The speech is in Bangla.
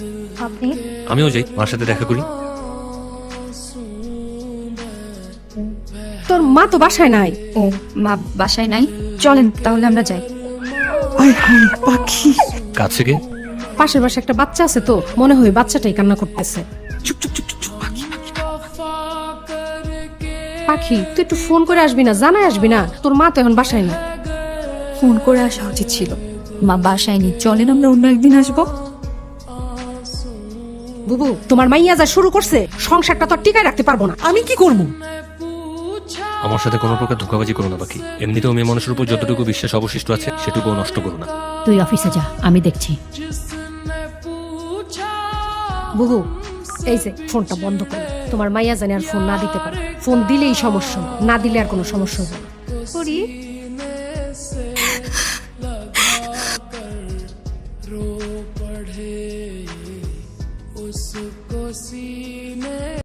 আপনি? আমিও যাই, মার সাথে দেখা করি। তোর মা তো বাসায় নাই। ও মা বাসায় নাই, চলেন তাহলে আমরা যাই। আয় হায় পাখি, কাজ থেকে পাশের বাসায় একটা বাচ্চা আছে তো, মনে হয় বাচ্চাটাই কান্না করতেছে। চুপ চুপ চুপ চুপ চুপ, পাখি পাখি। পাখি তুই একটু ফোন করে আসবি না, জানাই আসবি না? তোর মা তো এখন বাসায় না। ফোন করে আসা উচিত ছিল। মা বাসায় নেই, চলেন আমরা অন্য একদিন আসবো। বুবু, তোমার মাইয়া যা শুরু করছে, সংসারটা তো আর টিকায় রাখতে পারবো না। আমি কি করবো? আমার সাথে কোনো প্রকার ধোঁকাবাজি করো না পাখি। এমনিতেও মেয়ে মানুষের উপর যতটুকু বিশ্বাস অবশিষ্ট আছে সেটুকুও নষ্ট করো না। তুই অফিসে যা, আমি দেখছি। বুবু, এই যে ফোনটা বন্ধ করো। তোমার মাইয়া জানে আর ফোন না দিতে পারে। ফোন দিলেই সমস্যা, না দিলে আর কোনো সমস্যা হবে না। করি रो पढ़े उसको सीने